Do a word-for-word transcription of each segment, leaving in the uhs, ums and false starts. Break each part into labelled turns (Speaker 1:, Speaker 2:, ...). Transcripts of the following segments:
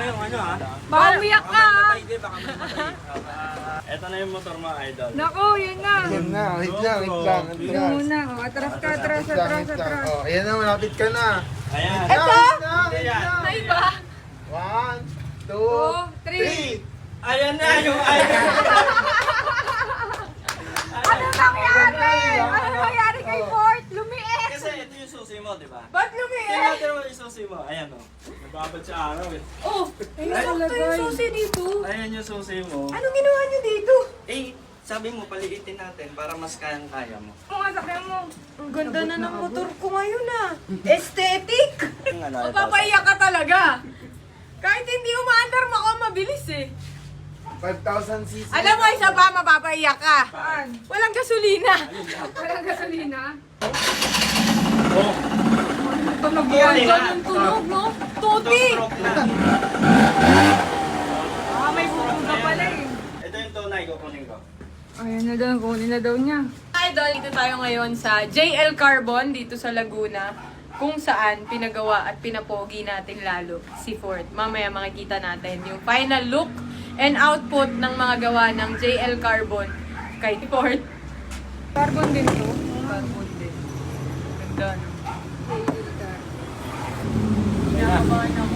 Speaker 1: yung ano ha.
Speaker 2: Baka umiyak ka ha.
Speaker 1: Baka may matay. Ito na yung motor mo, idol.
Speaker 2: Naku, yun na.
Speaker 3: Yan na, wait lang, wait lang.
Speaker 2: Yun muna. O, atras ka, atras,
Speaker 3: Wait lang,
Speaker 2: atras,
Speaker 3: wait lang.
Speaker 2: atras.
Speaker 3: Oh, ayan na, malapit ka na.
Speaker 1: Ayan.
Speaker 2: Ito?
Speaker 3: Wait lang, wait
Speaker 1: Ayan.
Speaker 3: lang.
Speaker 2: Na iba?
Speaker 3: One, two,
Speaker 2: Two, three.
Speaker 3: three.
Speaker 1: Ayan na yung idol.
Speaker 2: Ano nangyari? Ano nangyari kay Fort? Lumiit!
Speaker 1: Kasi ito yung susi mo, di ba?
Speaker 2: Ba't
Speaker 1: Tingnan
Speaker 2: lumiit?
Speaker 1: natin mo yung susi mo. Ayan o. Nababad sa araw eh.
Speaker 2: Oh, ayun sakto yung susi dito.
Speaker 1: Ayan yung susi mo.
Speaker 2: Anong ginawa niyo dito?
Speaker 1: Eh, sabi mo, paliitin natin para mas kayang-kaya mo.
Speaker 2: Kung nga sakyan mo. Ang ganda na ng motor ko ngayon ah. Aesthetic!
Speaker 1: Yung ano, ito.
Speaker 2: Mapapaiyak ka talaga. Kahit hindi umaandar mo ako, mabilis eh.
Speaker 3: five thousand cc.
Speaker 2: Alam mo, isa pa, mapapaiyak ka. Walang gasolina. Walang gasolina?
Speaker 1: Oh,
Speaker 2: Tunog
Speaker 1: yan.
Speaker 2: Ganun tunog, no? Tuti!
Speaker 1: stroke na.
Speaker 2: Ah, may bubuga pala eh.
Speaker 1: Ito yung tunay, kukunin ko.
Speaker 2: Ayan na daw, kunin na daw niya. Idol, dito tayo ngayon sa J L Carbon dito sa Laguna, kung saan pinagawa at pinapogi natin lalo si Ford. Mamaya makikita natin yung final look and output ng mga gawa ng J L Carbon kay Ford. Carbon din to? Carbon din. Ganda, no? Kinakabahan ako.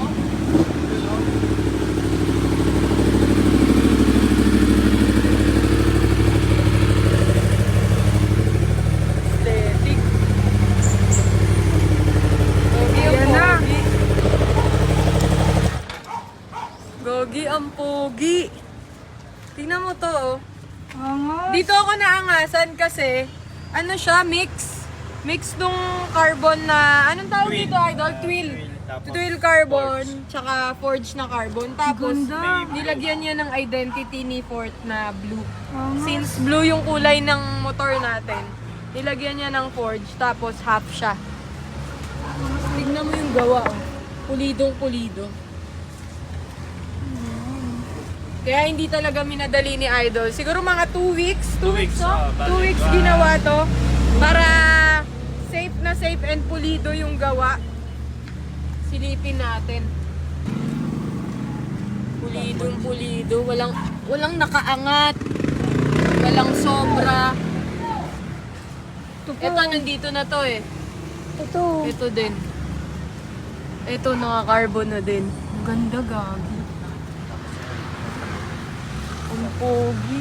Speaker 2: Aesthetic. Gogi ang pogi. Gogi ang pogi. Tingnan mo to, oh. Dito ako naangasan kasi, ano siya, mix. Mix nung carbon na, anong tawag
Speaker 1: Twill.
Speaker 2: dito, idol? Twill.
Speaker 1: Tapos
Speaker 2: Twill carbon,
Speaker 1: forge.
Speaker 2: tsaka forge na carbon. Tapos, nilagyan niya ng identity ni Ford na blue. Since blue yung kulay ng motor natin, nilagyan niya ng forge, tapos half siya. Tignan mo yung gawa, oh. Pulidong pulido. Kaya hindi talaga minadali ni Idol. Siguro mga two weeks. two
Speaker 1: Two
Speaker 2: weeks,
Speaker 1: weeks,
Speaker 2: no?
Speaker 1: oh,
Speaker 2: two
Speaker 1: balik
Speaker 2: weeks
Speaker 1: ba?
Speaker 2: ginawa to. Para safe na safe and pulido yung gawa. Silipin natin. Pulidong pulido. Walang, walang nakaangat. Walang sobra. Ito, nandito na to eh. Ito. Ito din. Ito, naka-carbon na din. Ang ganda, gagi. Ang pogi.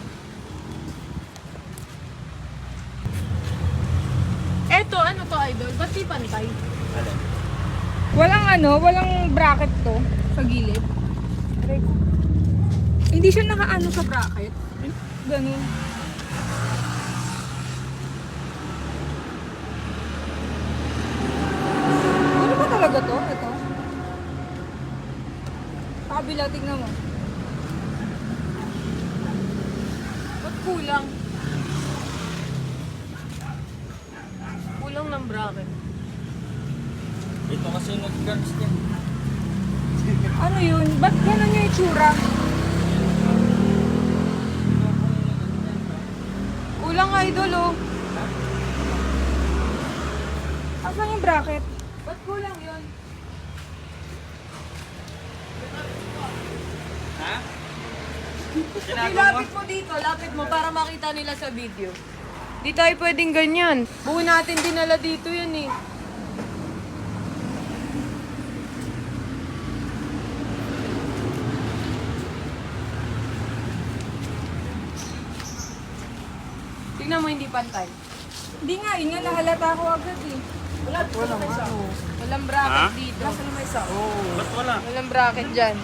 Speaker 2: Eto, ano to, idol? Ba't di pantay?
Speaker 1: Alin?
Speaker 4: Walang ano, walang bracket to sa gilid. Aray ko. Hindi siya nakaano sa bracket. Ganun. Ano ba talaga to? Ito? Kabila, tignan mo.
Speaker 2: Ba't kulang? Kulang ng bracket.
Speaker 1: Ito kasi nag-guards niya.
Speaker 4: Ano yun? Ba't ganun yung itsura?
Speaker 2: Kulang, idol, oh.
Speaker 4: Asan yung bracket?
Speaker 2: Ba't kulang yun?
Speaker 1: Ha?
Speaker 2: Hey,
Speaker 1: Ginagawa mo?
Speaker 2: lapit mo dito, lapit mo para makita nila sa video. Di tayo pwedeng ganyan. Buo natin dinala dito yan eh. Tingnan mo, hindi pantay.
Speaker 4: Hindi nga, yun nga nahalata ko agad eh.
Speaker 2: Wala, walang ano. Walang bracket
Speaker 1: Ha?
Speaker 2: dito.
Speaker 1: Ba't wala?
Speaker 2: Walang bracket dyan.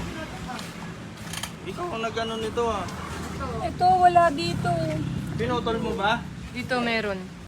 Speaker 1: Ikaw ang nag-ano nito ah.
Speaker 4: Ito, wala dito.
Speaker 1: Pinutol mo ba?
Speaker 2: Dito meron.